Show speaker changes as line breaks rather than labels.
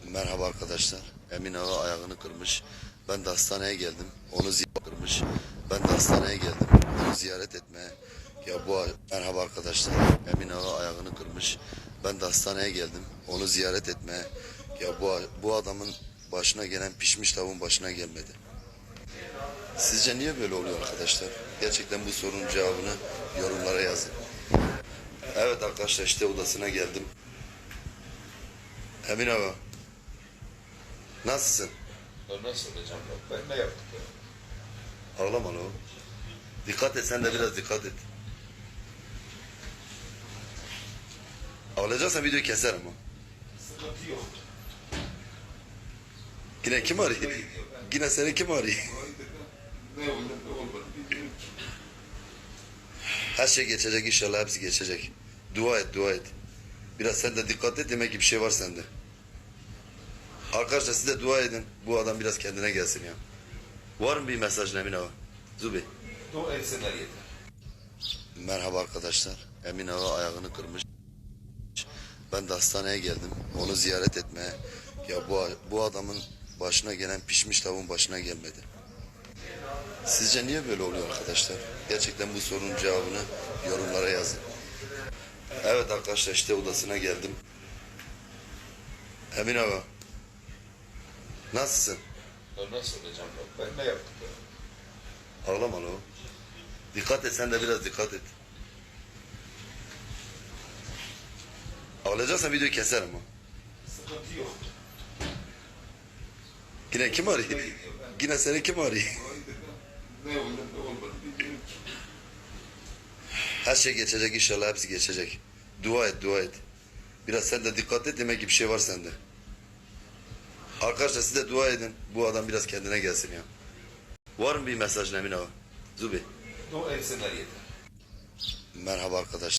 Merhaba arkadaşlar. Emin Ağa ayağını kırmış. Ben de hastaneye geldim. Onu ziyaret kırmış. Ben de hastaneye geldim. Onu ziyaret etmeye. Merhaba arkadaşlar. Emin Ağa ayağını kırmış. Ben de hastaneye geldim. Onu ziyaret etmeye. Bu adamın başına gelen pişmiş tavuğun başına gelmedi. Sizce niye böyle oluyor arkadaşlar? Gerçekten bu sorunun cevabını yorumlara yazın. Evet arkadaşlar, işte odasına geldim. Emin Ağa, nasılsın?
Nasıl hocam? Ben ne yaptım ya?
Ağlama lan. Dikkat et, sen de biraz dikkat et. Ağlayacaksan videoyu keser ama.
Sıkıntı yok.
Yine kim arıyor? Yine seni kim arıyor?
Ne olur ne olmadı bilmiyorum ki.
Her şey geçecek inşallah, hepsi geçecek. Dua et, dua et. Biraz sen de dikkat et, demek ki bir şey var sende. Arkadaşlar siz de dua edin. Bu adam biraz kendine gelsin ya. Var mı bir mesaj Emin Ağa? Zubi.
Dua etseler yeter.
Merhaba arkadaşlar. Emin Ağa ayağını kırmış. Ben de hastaneye geldim. Onu ziyaret etmeye. Bu adamın başına gelen pişmiş tavuğun başına gelmedi. Sizce niye böyle oluyor arkadaşlar? Gerçekten bu sorunun cevabını yorumlara yazın. Evet arkadaşlar, işte odasına geldim. Emin Ağa, nasılsın?
Nasıl hocam? Ben ne yaptım ya?
Ağlama lan. Dikkat et, sen de biraz dikkat et. Ağlayacaksan videoyu keser ama.
Sıkıntı yok.
Yine kim arıyor? Yine seni kim arıyor?
Ne olur ne olmadı bilmiyorum ki.
Her şey geçecek inşallah, hepsi geçecek. Dua et, dua et. Biraz sen de dikkat et, demek ki bir şey var sende. Arkadaşlar siz de dua edin. Bu adam biraz kendine gelsin ya. Var mı bir mesaj Emin Ağa? Zubi.
Dua etseler yeter.
Merhaba arkadaşlar.